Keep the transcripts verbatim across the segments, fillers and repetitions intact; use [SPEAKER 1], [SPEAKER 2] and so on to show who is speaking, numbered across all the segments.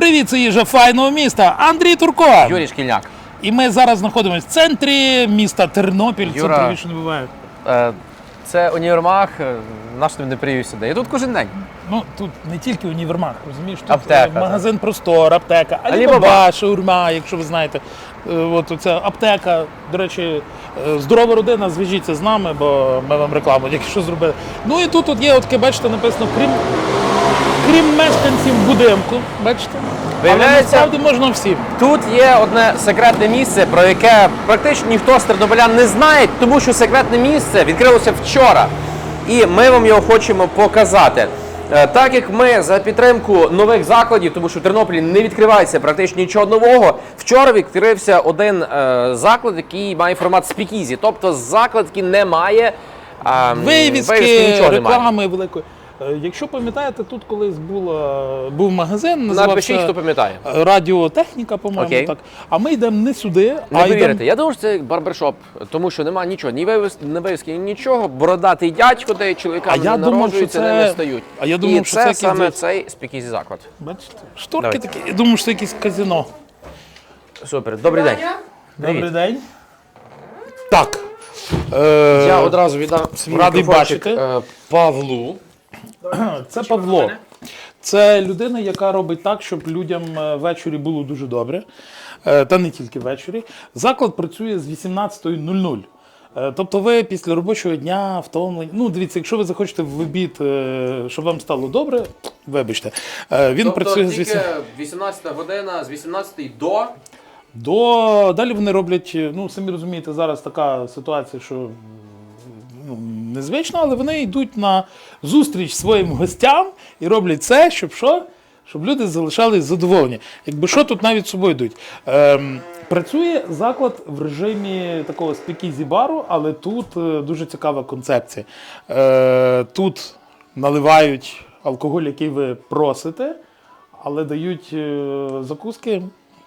[SPEAKER 1] Привіт, це їжа файного міста. Андрій Турко.
[SPEAKER 2] Юрій Шкільняк.
[SPEAKER 1] І ми зараз знаходимося в центрі міста Тернопіль.
[SPEAKER 2] Юра,
[SPEAKER 1] Це привіше не буває.
[SPEAKER 2] Е, це універмаг, наш тобі не привів сюди. Я тут кожен день.
[SPEAKER 1] Ну, тут не тільки універмаг, розумієш? Тут
[SPEAKER 2] Аптека,
[SPEAKER 1] е, магазин Простор, аптека,
[SPEAKER 2] Алібаба,
[SPEAKER 1] Алібаба, шаурма, якщо ви знаєте. Е, От оця аптека, до речі, е, здорова родина, зв'яжіться з нами, бо ми вам рекламу тільки що зробили. Ну і тут от є, от таке, бачите, написано, крім, крім мешканців будинку, бачите?
[SPEAKER 2] Виявляється,
[SPEAKER 1] але насправді можна всім.
[SPEAKER 2] Тут є одне секретне місце, про яке практично ніхто з тернополян не знає, тому що секретне місце відкрилося вчора. І ми вам його хочемо показати. Е, Так як ми за підтримку нових закладів, тому що в Тернополі не відкривається практично нічого нового, вчора відкрився один е, заклад, який має формат спікізі. Тобто заклад, який не має е,
[SPEAKER 1] Вивіски,
[SPEAKER 2] нічого
[SPEAKER 1] реклами
[SPEAKER 2] немає.
[SPEAKER 1] великої. Е, Якщо пам'ятаєте, тут колись була, був магазин, називався
[SPEAKER 2] Напишіть, хто пам'ятає.
[SPEAKER 1] Радіотехніка, по-моєму,
[SPEAKER 2] Окей.
[SPEAKER 1] так. А ми йдемо не сюди,
[SPEAKER 2] Не
[SPEAKER 1] а
[SPEAKER 2] повірите,
[SPEAKER 1] йдемо...
[SPEAKER 2] я думаю, що це барбершоп, тому що немає нічого, ні вивіски, ні вивіски, ні нічого. Бородатий дядько, де чоловіками
[SPEAKER 1] А я
[SPEAKER 2] не
[SPEAKER 1] думав,
[SPEAKER 2] народжуються,
[SPEAKER 1] що це-
[SPEAKER 2] не, не стають.
[SPEAKER 1] а я
[SPEAKER 2] І
[SPEAKER 1] думав, що
[SPEAKER 2] це,
[SPEAKER 1] це
[SPEAKER 2] саме
[SPEAKER 1] якийсь-
[SPEAKER 2] цей спікізі заклад.
[SPEAKER 1] Бачите, шторки
[SPEAKER 2] Давайте.
[SPEAKER 1] такі. Я думаю, що це якесь казино.
[SPEAKER 2] Супер, добрий день.
[SPEAKER 1] Добрий
[SPEAKER 2] Привіт.
[SPEAKER 1] день. Так. Е,
[SPEAKER 2] Я одразу віддам свій
[SPEAKER 1] радий
[SPEAKER 2] мікрофончик
[SPEAKER 1] бачити.
[SPEAKER 2] е, Павлу.
[SPEAKER 1] Це Павло. Це людина, яка робить так, щоб людям е, ввечері було дуже добре. Е, Та не тільки ввечері. Заклад працює з вісімнадцятої нуль нуль. Е, Тобто ви після робочого дня втомлені. Ну, дивіться, якщо ви захочете в обід, е, щоб вам стало добре, вибачте. Е, Він працює з вісім...
[SPEAKER 2] вісімнадцята година, з вісімнадцятої до...
[SPEAKER 1] до. Далі вони роблять, ну, самі розумієте, зараз така ситуація, що ну, незвично, але вони йдуть на зустріч своїм гостям і роблять це, щоб що? Щоб люди залишались задоволені. Якби що, тут навіть з собою йдуть. Ем, працює заклад в режимі такого спікізі-бару, але тут е, дуже цікава концепція. Е, тут наливають алкоголь, який ви просите, але дають е, закуски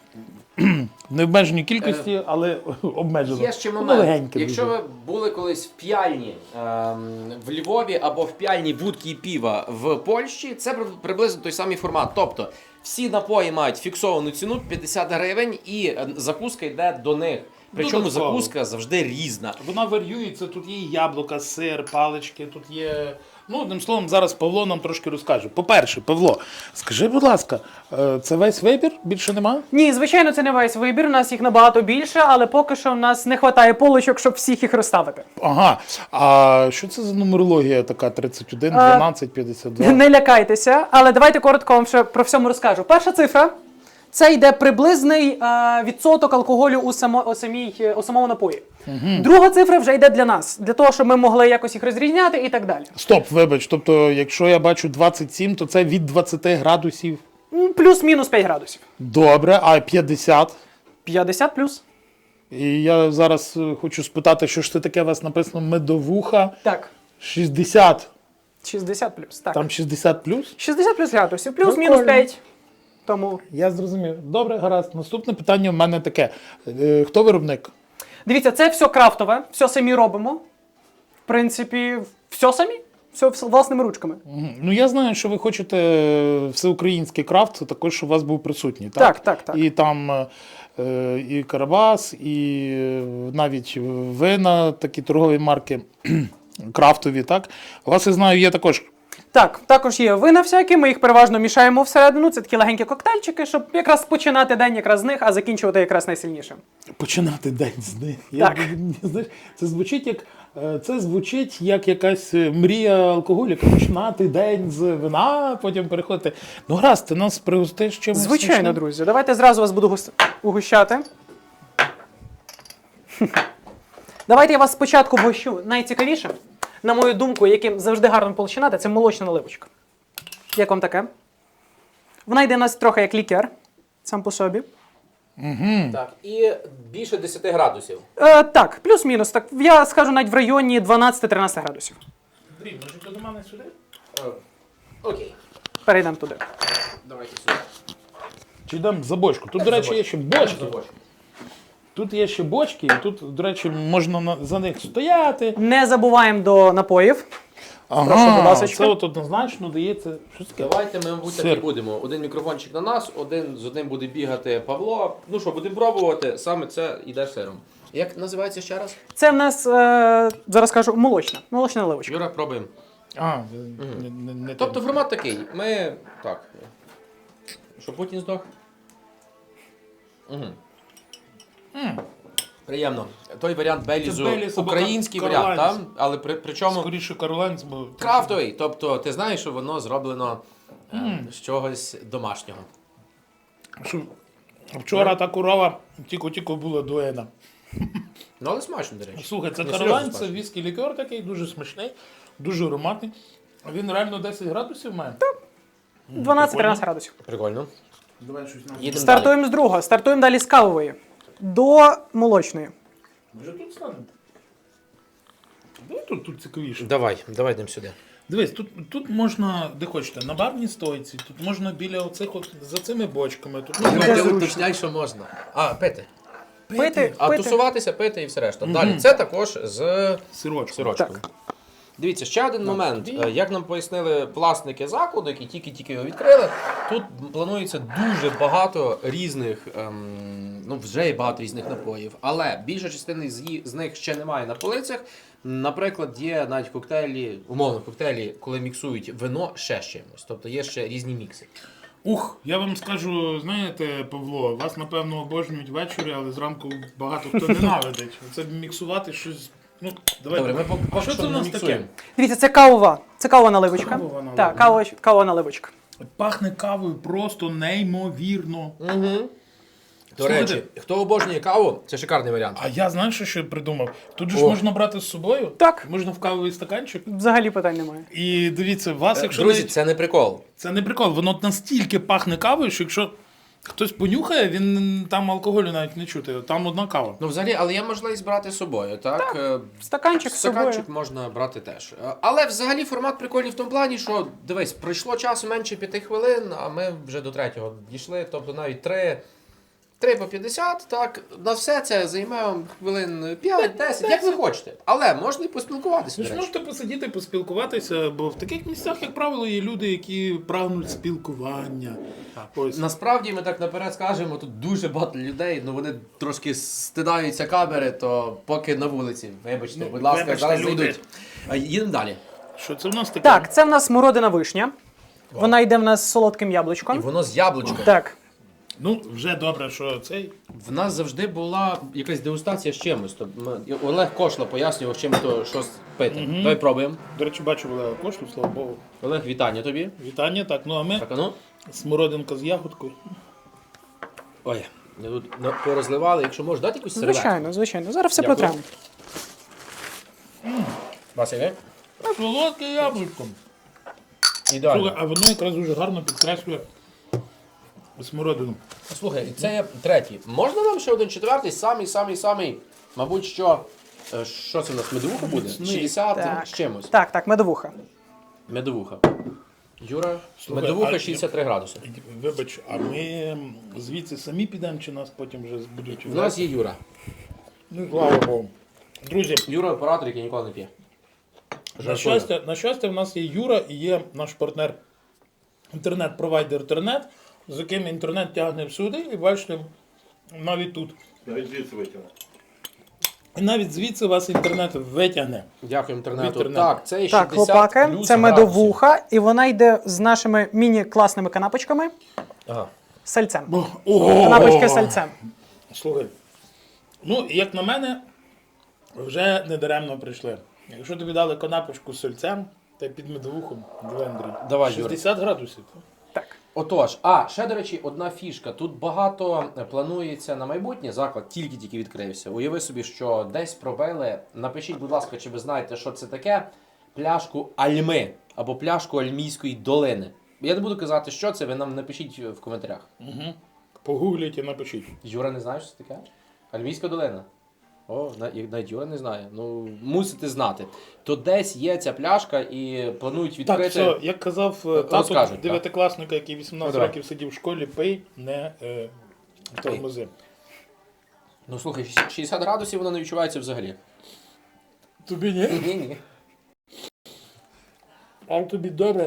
[SPEAKER 1] в необмеженій кількості, але обмежено.
[SPEAKER 2] Є ще
[SPEAKER 1] Ну,
[SPEAKER 2] момент.
[SPEAKER 1] легеньке
[SPEAKER 2] Якщо
[SPEAKER 1] дуже.
[SPEAKER 2] ви були колись в п'яльні ем, в Львові або в п'яльні вудки і піва в Польщі, це при- приблизно той самий формат. Тобто всі напої мають фіксовану ціну п'ятдесят гривень і е, закуска йде до них. Причому
[SPEAKER 1] Додатково.
[SPEAKER 2] закуска завжди різна.
[SPEAKER 1] Вона варіюється, тут є і яблука, сир, палички, тут є... Ну, одним словом, зараз Павло нам трошки розкаже. По-перше, Павло, скажи, будь ласка, е, це весь вибір? Більше нема?
[SPEAKER 3] Ні, звичайно, це не весь вибір. У нас їх набагато більше, але поки що в нас не вистачає полочок, щоб всіх їх розставити.
[SPEAKER 1] Ага. А що це за нумерологія така тридцять один, дванадцять, п'ятдесят два?
[SPEAKER 3] Не лякайтеся, але давайте коротко вам ще про всьому розкажу. Перша цифра це йде приблизний е, відсоток алкоголю у, само, у, самій, у самому напої. Угу. Друга цифра вже йде для нас, для того, щоб ми могли якось їх розрізняти і так далі.
[SPEAKER 1] Стоп, вибач, тобто, якщо я бачу двадцять сім, то це від двадцяти градусів.
[SPEAKER 3] М, Плюс-мінус п'ять градусів.
[SPEAKER 1] Добре, а п'ятдесят?
[SPEAKER 3] п'ятдесят плюс.
[SPEAKER 1] І я зараз е, хочу спитати, що ж це таке у вас написано медовуха
[SPEAKER 3] Так.
[SPEAKER 1] шістдесят.
[SPEAKER 3] шістдесят плюс. Так.
[SPEAKER 1] Там шістдесят плюс?
[SPEAKER 3] шістдесят плюс градусів, плюс-мінус
[SPEAKER 1] Прикольно.
[SPEAKER 3] п'ять. Тому.
[SPEAKER 1] Я зрозумів. Добре, гаразд. Наступне питання в мене таке. Е, Хто виробник?
[SPEAKER 3] Дивіться, це все крафтове, все самі робимо. В принципі, все самі, все вс- власними ручками.
[SPEAKER 1] Мгм. Ну, я знаю, що ви хочете е, всеукраїнський крафт, також, щоб у вас був присутній. Так,
[SPEAKER 3] Так, так, так.
[SPEAKER 1] І там е, е, і Карабас, і е, навіть вина, такі торгові марки крафтові, так? У вас, я знаю, є також.
[SPEAKER 3] Так, також є вина всякі, ми їх переважно мішаємо всередину. Це такі легенькі коктейльчики, щоб якраз починати день якраз з них, а закінчувати якраз найсильнішим.
[SPEAKER 1] Починати день з них. Я,
[SPEAKER 3] Так.
[SPEAKER 1] знаєш, це звучить як е, це звучить як якась е, мрія алкоголіка. Починати день з вина, потім переходити. Ну, гаразд, ти нас пригостиш чимось.
[SPEAKER 3] Звичайно,
[SPEAKER 1] смачним?
[SPEAKER 3] друзі. Давайте зразу вас буду гус- угощати. Давайте я вас спочатку вгощу. Найцікавіше, на мою думку, яким завжди гарно починати, це молочна наливочка. Як вам таке? Вона йде у нас трохи як лікер, сам по собі.
[SPEAKER 2] Так, і більше десяти градусів.
[SPEAKER 3] Е, так, плюс-мінус. Так, я скажу навіть в районі дванадцять-тринадцять градусів.
[SPEAKER 1] Андрій, може ти до мене сюди?
[SPEAKER 2] Окей,
[SPEAKER 3] Перейдемо туди.
[SPEAKER 2] давайте сюди.
[SPEAKER 1] Чи йдемо за бочку? Тут, до речі, є ще бочки. Тут є ще бочки, і тут, до речі, можна на- за них стояти.
[SPEAKER 3] Не забуваємо до напоїв. Прошу, будь ласка.
[SPEAKER 1] це от однозначно дається. Що таке?
[SPEAKER 2] Давайте ми, мабуть, так і
[SPEAKER 1] Сир.
[SPEAKER 2] будемо. Один мікрофончик на нас, один з одним буде бігати Павло. Ну що, будемо пробувати, саме це йде сиром. Як називається ще раз?
[SPEAKER 3] Це в нас, е, зараз кажу, молочна. Молочна наливочка.
[SPEAKER 2] Юра, пробуємо.
[SPEAKER 1] А, не, не, не
[SPEAKER 2] Тобто
[SPEAKER 1] те.
[SPEAKER 2] формат такий. Ми. Так. Що Путін здох? Угу.
[SPEAKER 1] М.
[SPEAKER 2] Приємно. Той варіант Белізу,
[SPEAKER 1] Беліз або
[SPEAKER 2] український
[SPEAKER 1] Кар-
[SPEAKER 2] варіант,
[SPEAKER 1] Карлайнс.
[SPEAKER 2] так? Але при, причому
[SPEAKER 1] Скоріше Каролайнс, бо...
[SPEAKER 2] крафтовий. Тобто ти знаєш, що воно зроблено е, з чогось домашнього.
[SPEAKER 1] Що, вчора та корова тільки-тільки була дуена.
[SPEAKER 2] Ну, але смачно, до речі.
[SPEAKER 1] Слухай, це
[SPEAKER 2] Ну,
[SPEAKER 1] Каролайн,
[SPEAKER 2] серйозно
[SPEAKER 1] це
[SPEAKER 2] смачно.
[SPEAKER 1] віскі лікер такий, дуже смачний, дуже ароматний. Він реально десять градусів має.
[SPEAKER 3] дванадцять-тринадцять градусів.
[SPEAKER 2] Прикольно.
[SPEAKER 1] Давай щось нам.
[SPEAKER 2] Їдемо далі.
[SPEAKER 3] Стартуємо з другого. Стартуємо далі з кавової. До молочної.
[SPEAKER 1] Може тут станемо? Давай тут, тут цікавіше.
[SPEAKER 2] Давай, давай йдемо сюди.
[SPEAKER 1] Дивись, тут, тут можна, де хочете, на барній стойці, тут можна біля оцих от, за цими бочками. Тут можна
[SPEAKER 2] Ти
[SPEAKER 3] зручно.
[SPEAKER 2] уточняй, що можна. А, пити.
[SPEAKER 3] Пити,
[SPEAKER 2] А
[SPEAKER 3] пити.
[SPEAKER 2] тусуватися, пити і все решта. Далі. Це також з
[SPEAKER 1] сирочку.
[SPEAKER 2] сирочком.
[SPEAKER 3] Так.
[SPEAKER 2] Дивіться, ще один момент.
[SPEAKER 1] тобі.
[SPEAKER 2] Е, Як нам пояснили власники закладу, які тільки-тільки його відкрили, тут планується дуже багато різних, ем, ну вже є багато різних напоїв, але більша частина з, ї- з них ще немає на полицях. Наприклад, є навіть коктейлі, умовно коктейлі, коли міксують вино ще з чимось. Тобто є ще різні мікси.
[SPEAKER 1] Ух, я вам скажу, знаєте, Павло, вас напевно обожнюють ввечері, але зранку багато хто ненавидить. Це міксувати щось. Ну, давай.
[SPEAKER 2] Добре, ми поки
[SPEAKER 1] А що
[SPEAKER 2] що
[SPEAKER 1] це в
[SPEAKER 2] не
[SPEAKER 1] нас таке?
[SPEAKER 2] міксуємо.
[SPEAKER 3] Дивіться, це кавова. Це кавова наливочка.
[SPEAKER 1] Кавова наливочка.
[SPEAKER 3] Так, кавова, кавова наливочка.
[SPEAKER 1] Пахне кавою просто неймовірно.
[SPEAKER 2] Угу. До
[SPEAKER 1] Слухайте.
[SPEAKER 2] речі, хто обожнює каву, це шикарний варіант.
[SPEAKER 1] А я знаєш, що ще придумав? Тут же ж
[SPEAKER 2] О.
[SPEAKER 1] можна брати з собою.
[SPEAKER 3] Так.
[SPEAKER 1] Можна в кавовий стаканчик.
[SPEAKER 3] Взагалі питань немає.
[SPEAKER 1] І дивіться, вас, якщо
[SPEAKER 2] Друзі,
[SPEAKER 1] навіть-
[SPEAKER 2] це не прикол.
[SPEAKER 1] це не прикол, воно настільки пахне кавою, що якщо хтось понюхає, він там алкоголю навіть не чути. Там одна кава.
[SPEAKER 2] Ну, взагалі, але є можливість брати з собою, так? Е,
[SPEAKER 3] Стаканчик з
[SPEAKER 2] Стаканчик
[SPEAKER 3] собою.
[SPEAKER 2] можна брати теж. Е, Але взагалі формат прикольний в тому плані, що дивись, пройшло часу менше п'яти хвилин, а ми вже до третього дійшли, тобто навіть три. три по п'ятдесят, так, на все це займе вам хвилин п'ять-десять, як ви хочете. Але можна і поспілкуватися.
[SPEAKER 1] Ви
[SPEAKER 2] до
[SPEAKER 1] ж
[SPEAKER 2] речі.
[SPEAKER 1] можете посидіти, поспілкуватися, бо в таких місцях, як правило, є люди, які прагнуть спілкування. Ось.
[SPEAKER 2] Насправді ми так наперед скажемо, тут дуже багато людей, ну вони трошки стидаються камери, то поки на вулиці. Вибачте,
[SPEAKER 1] Ну,
[SPEAKER 2] будь ласка,
[SPEAKER 1] вибачте,
[SPEAKER 2] зараз
[SPEAKER 1] люди.
[SPEAKER 2] зайдуть. А, Їдемо далі.
[SPEAKER 1] Що це в нас таке?
[SPEAKER 3] Так, це в нас смородина вишня. Вона йде в нас з солодким
[SPEAKER 2] І
[SPEAKER 3] яблучком.
[SPEAKER 2] воно з яблучком.
[SPEAKER 3] Так.
[SPEAKER 1] Ну, вже добре, що цей.
[SPEAKER 2] В нас завжди була якась дегустація з чимось. Тобто ми- Олег Кошла пояснював, чим то щось пити. Давай пробуємо.
[SPEAKER 1] До речі, бачу Олега Кошлю, слава Богу.
[SPEAKER 2] Олег, вітання тобі.
[SPEAKER 1] Вітання, так. Ну а ми
[SPEAKER 2] Так, а ну.
[SPEAKER 1] смородинка з ягодкою.
[SPEAKER 2] Ой, ми тут на- порозливали. Якщо можеш дати якусь серветку.
[SPEAKER 3] Звичайно, звичайно. Зараз все
[SPEAKER 2] Дякую.
[SPEAKER 3] протремо.
[SPEAKER 2] Вася, ви?
[SPEAKER 1] Солодке яблучко.
[SPEAKER 2] Ідеально.
[SPEAKER 1] Слухай, а воно якраз дуже гарно підкреслює смородину.
[SPEAKER 2] Слухай, і це є третій. Можна нам ще один четвертий, самий, самий, самий, мабуть, що. е, Що це у нас? Медовуха буде?
[SPEAKER 1] Міцний.
[SPEAKER 2] шістдесят
[SPEAKER 3] Так.
[SPEAKER 2] з чимось.
[SPEAKER 3] Так, так, медовуха.
[SPEAKER 2] Медовуха. Юра,
[SPEAKER 1] Слухай,
[SPEAKER 2] медовуха
[SPEAKER 1] а-
[SPEAKER 2] шістдесят три градуси.
[SPEAKER 1] Вибач, а ми звідси самі підемо, чи нас потім вже будуть?
[SPEAKER 2] У нас є Юра.
[SPEAKER 1] Ну, слава Богу. Друзі,
[SPEAKER 2] Юра оператор, який ніколи не п'є.
[SPEAKER 1] на
[SPEAKER 2] Жартую.
[SPEAKER 1] щастя, на щастя, в нас є Юра і є наш партнер інтернет-провайдер Тернет, з яким інтернет тягне всюди, і бачите, навіть тут.
[SPEAKER 4] Навіть звідси витягнув.
[SPEAKER 1] І навіть звідси вас інтернет витягне.
[SPEAKER 2] Дякую інтернету.
[SPEAKER 1] Інтернет.
[SPEAKER 2] Так, це є
[SPEAKER 3] Так,
[SPEAKER 2] шістдесят
[SPEAKER 3] хлопаки,
[SPEAKER 2] плюс
[SPEAKER 3] це
[SPEAKER 2] градусів.
[SPEAKER 3] медовуха, і вона йде з нашими міні-класними канапочками
[SPEAKER 2] Ага.
[SPEAKER 3] з сальцем.
[SPEAKER 1] Ого!
[SPEAKER 3] Канапочки з сальцем.
[SPEAKER 1] Слухай, ну, як на мене, вже недаремно прийшли. Якщо тобі дали канапочку з сольцем, та й під медовухом, диви, Андрій,
[SPEAKER 2] Давай, Юра.
[SPEAKER 1] шістдесят градусів.
[SPEAKER 3] Так.
[SPEAKER 2] Отож, а ще, до речі, одна фішка. Тут багато планується на майбутнє. Заклад тільки-тільки відкрився. Уяви собі, що десь пробили. Напишіть, будь ласка, чи ви знаєте, що це таке. Пляшку Альми або пляшку Альмійської долини. Я не буду казати, що це, ви нам напишіть в коментарях.
[SPEAKER 1] Угу. Погугліть і напишіть.
[SPEAKER 2] Юра не знає, що це таке? Альмійська долина. О, на- і навіть Юра не знає. Ну, мусите знати. То десь є ця пляшка і планують відкрити.
[SPEAKER 1] Так, все, як казав е, тато
[SPEAKER 2] Розкажуть, так.
[SPEAKER 1] дев'ятикласника, який вісімнадцять
[SPEAKER 2] Ну, давай.
[SPEAKER 1] років сидів в школі, пий, не е, тормози.
[SPEAKER 2] Ну слухай, шістдесят градусів воно не відчувається взагалі.
[SPEAKER 1] Тобі ні?
[SPEAKER 2] Ні, ні.
[SPEAKER 1] А тобі добре.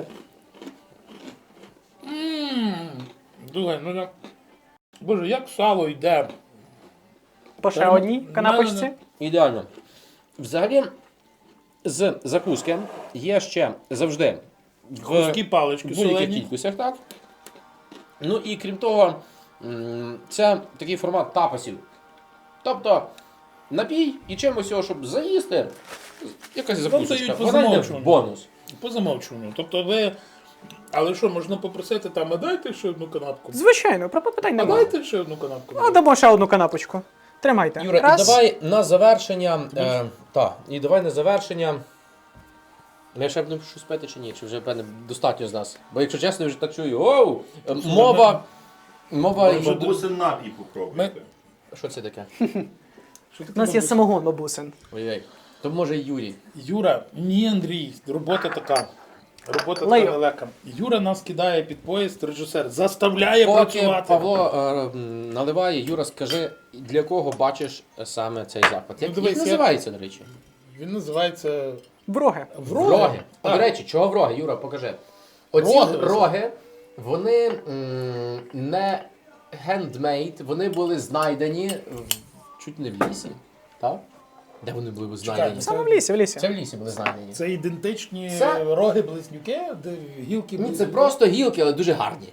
[SPEAKER 1] Ммм. Слухай, ну я... Боже, як сало йде.
[SPEAKER 3] По ще
[SPEAKER 1] Прямо
[SPEAKER 3] одній
[SPEAKER 1] в
[SPEAKER 3] канапочці.
[SPEAKER 1] мене
[SPEAKER 2] Ідеально. Взагалі, з закуски є ще завжди в
[SPEAKER 1] Куски палички
[SPEAKER 2] будь-яких
[SPEAKER 1] солені.
[SPEAKER 2] кількостях, так? Ну і крім того, м, це такий формат тапасів. Тобто напій і чимось його, щоб заїсти, якась закусочка.
[SPEAKER 1] дають по
[SPEAKER 2] Вона йде в
[SPEAKER 1] замовчуванню.
[SPEAKER 2] бонус.
[SPEAKER 1] По замовчуванню. Тобто ви... Але що, можна попросити там, а дайте ще одну канапку?
[SPEAKER 3] Звичайно, про питань
[SPEAKER 1] А
[SPEAKER 3] немає.
[SPEAKER 1] дайте ще одну канапку.
[SPEAKER 3] А дамо ще одну канапочку. Тримайте.
[SPEAKER 2] Юра,
[SPEAKER 3] Раз.
[SPEAKER 2] і давай на завершення. Е, та, і давай на завершення. Ми ще будемо щось пити чи ні? Чи вже певне достатньо з нас? Бо якщо чесно, я вже так чую. Оу! Е, Мова. Мова.
[SPEAKER 4] Бабусин напій попробуйте.
[SPEAKER 2] Що це таке?
[SPEAKER 1] Що таке
[SPEAKER 3] У нас є
[SPEAKER 1] бабуся?
[SPEAKER 3] самогон бабусин.
[SPEAKER 2] Ой-ой. То може Юрій.
[SPEAKER 1] Юра, ні, Андрій, робота така. Робота
[SPEAKER 3] Лею.
[SPEAKER 1] така нелегка. Юра нас кидає під поїзд, режисер, заставляє
[SPEAKER 2] Поки
[SPEAKER 1] працювати.
[SPEAKER 2] Павло е, м, наливає, Юра, скажи, для кого бачиш саме цей заклад? Як,
[SPEAKER 1] Ну, дивись,
[SPEAKER 2] як
[SPEAKER 1] я-
[SPEAKER 2] називається, до речі?
[SPEAKER 1] Він називається
[SPEAKER 3] Вроги.
[SPEAKER 1] Вроги.
[SPEAKER 2] А,
[SPEAKER 1] Так.
[SPEAKER 2] до речі, чого вроги, Юра, покажи. Оці
[SPEAKER 1] Роги.
[SPEAKER 2] роги, вони м, не handmade, вони були знайдені в- чуть не в лісі, так? Де вони були знайдені?
[SPEAKER 1] Чекай,
[SPEAKER 3] Саме в лісі, в лісі.
[SPEAKER 2] Це в лісі були знайдені.
[SPEAKER 1] Це ідентичні
[SPEAKER 2] Це-
[SPEAKER 1] роги-близнюки, де гілки
[SPEAKER 2] Ні, це
[SPEAKER 1] близнюки.
[SPEAKER 2] просто гілки, але дуже гарні.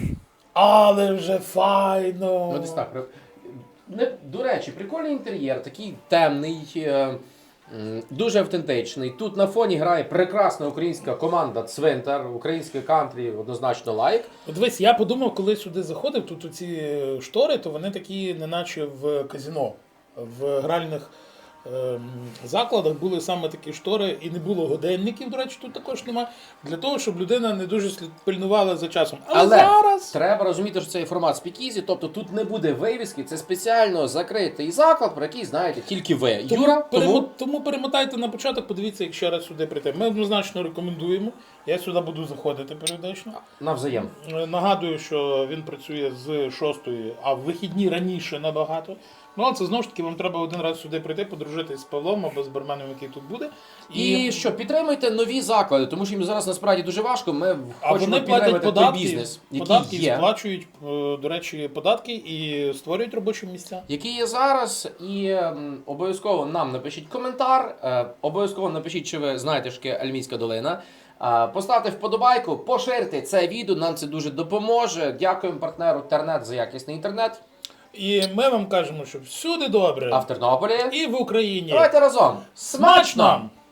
[SPEAKER 1] Але вже файно.
[SPEAKER 2] Ну, десь так. Не, до речі, прикольний інтер'єр, такий темний, е, м, дуже автентичний. Тут на фоні грає прекрасна українська команда Цвинтар, українське кантрі, однозначно лайк.
[SPEAKER 1] От дивись, я подумав, коли сюди заходив, тут ці штори, то вони такі, неначе в казіно. В гральних ем, закладах були саме такі штори, і не було годинників, до речі, тут також немає, для того, щоб людина не дуже слід пильнувала за часом. Але,
[SPEAKER 2] Але
[SPEAKER 1] зараз
[SPEAKER 2] треба розуміти, що це є формат спікізі, тобто тут не буде вивіски, це спеціально закритий заклад, про який знаєте тільки ви.
[SPEAKER 1] тому,
[SPEAKER 2] Юра,
[SPEAKER 1] перемо-
[SPEAKER 2] тому
[SPEAKER 1] тому перемотайте на початок, подивіться, як ще раз сюди прийти. Ми однозначно рекомендуємо. Я сюди буду заходити періодично.
[SPEAKER 2] навзаєм.
[SPEAKER 1] Е, Нагадую, що він працює з шостої, а в вихідні раніше набагато. Ну, але це знову ж таки, вам треба один раз сюди прийти, подружитись з Павлом або з барменом, який тут буде.
[SPEAKER 2] І що, підтримуйте нові заклади, тому що їм зараз насправді дуже важко. Ми
[SPEAKER 1] а
[SPEAKER 2] хочемо
[SPEAKER 1] вони платять
[SPEAKER 2] підтримати той
[SPEAKER 1] податки,
[SPEAKER 2] бізнес,
[SPEAKER 1] податки
[SPEAKER 2] який є.
[SPEAKER 1] сплачують, е, до речі, податки і створюють робочі місця.
[SPEAKER 2] Який є зараз, і ем, обов'язково нам напишіть коментар, е, обов'язково напишіть, чи ви знаєте, що таке Альмійська долина. Е, поставте вподобайку, поширте це відео, нам це дуже допоможе. Дякуємо партнеру Тернет за якісний інтернет.
[SPEAKER 1] І ми вам кажемо, що всюди добре.
[SPEAKER 2] А в Тернополі.
[SPEAKER 1] І в Україні.
[SPEAKER 2] Давайте разом. Смачно!